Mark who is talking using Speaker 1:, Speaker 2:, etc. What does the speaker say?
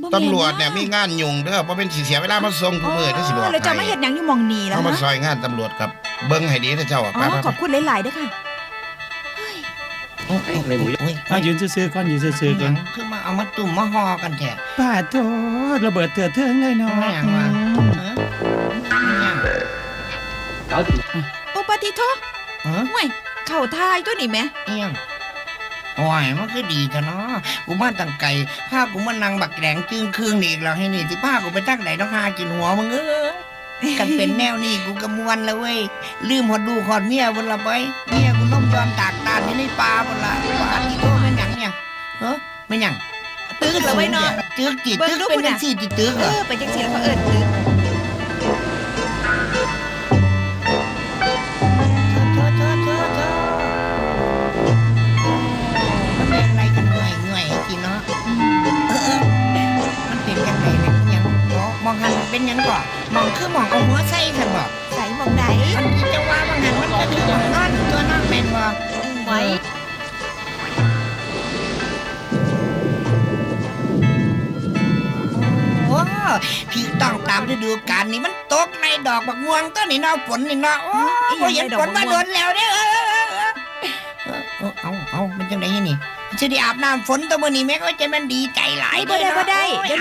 Speaker 1: ตำรวจเนี่ยมีงานยุ่งเด้อเพราะเป็นสิเสียเวลามาส่งผู้มือที่สิบอกให้
Speaker 2: แล้วจะมาเฮ็ดหยังอยู่หม่องนี้แล้ว
Speaker 1: เขามา
Speaker 2: นะ
Speaker 1: ซอยงานตำรวจกับเบิ้งให้ดีนะเจ้าไป
Speaker 2: ขอบคุณหลายๆเด้อค่ะ
Speaker 3: ในหมูยืนซื่อๆก่อนยืนซื่อๆก่อน
Speaker 4: คือมาเอามาตุ่มมาห่อกันแท้
Speaker 3: ป้าโตระเบิดเถื่อนเทิงเลยเนาะ
Speaker 2: โอปาติโทห่วยเข้าทายตัวนี่แม่
Speaker 4: เอียงโอ้ยมันคือดีจ้ะเนาะกูมาตั้งไก่ผ้ากูมานั่งบักแดงจึงคืนอีกแล้วให้นี่ที่ผ้ากูไปตั้งไหนต้องหากินหัวมึงกันเป็นแนวนี้กูกำมวนแล้วเว้ยลืมหอดดูหอดเมียบนละไปเมียกูล้มยอนตากตาที่ในป่าบนละป่าที่โตเป็นหยังเนี่ยไม่หยัง
Speaker 2: ตึกแล้วไว้เนาะ
Speaker 4: ตึกจิตตึกเป็นจังซี่จิตึก
Speaker 2: เป็นจังซี่แล้วเขาเอิ้นตึก
Speaker 4: มันเป็นอะไรกันหน่อยสิเนาะมันเป็นกันไหนเนี่ยยังมองหันเป็นยังก่อมองคือมองเอาหัวใส่กันบอก
Speaker 2: ใส่หม่องใด
Speaker 4: มันที่จะว่าบางหันมันก็คือมองนอนตัวนอนแม่นบ่
Speaker 2: ไว้
Speaker 4: โอ้พี่ต้องตามฤดูกาลนี่มันตกในดอกบักม่วงต้นนี่เนาะฝนนี่เนาะโอ้ยเห็นฝนมาโดนแล้วเด้เอามันจังได๋นี่จะได้อาบน้ำฝนตัวมื้อนี้แม่ก็จะมันดีใจหลาย
Speaker 2: บ่ได้